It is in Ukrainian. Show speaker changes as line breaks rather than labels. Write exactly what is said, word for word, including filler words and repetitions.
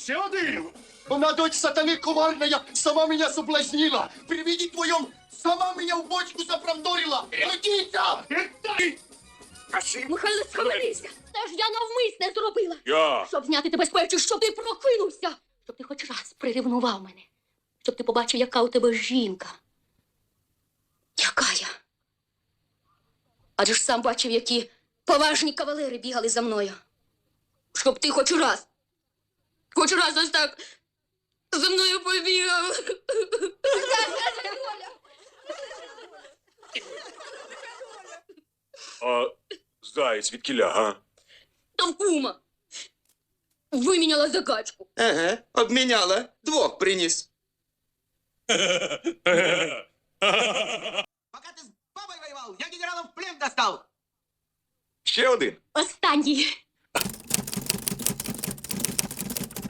Ще один!
Она дочь сатаны коварная, сама меня соблазнила. При виде твоем сама меня в бочку заправдорила. Родиться!
Михайло, схаменися! Це ж я навмисне зробила.
Я!
Щоб зняти тебе з печі, щоб ти прокинувся. Щоб ти хоч раз приревнував мене. Щоб ти побачив, яка у тебе жінка. Яка я? Адже ж сам бачив, які поважні кавалери бігали за мною. Щоб ти хоч раз, хоч раз ось так за мною побігав.
А заєць від кіля, га?
Там кума. Виміняла за качку.
Ага, обміняла. Двох приніс.
Пока ты с бабой воевал, я генерала в плен достал.
Ще один.
Останній.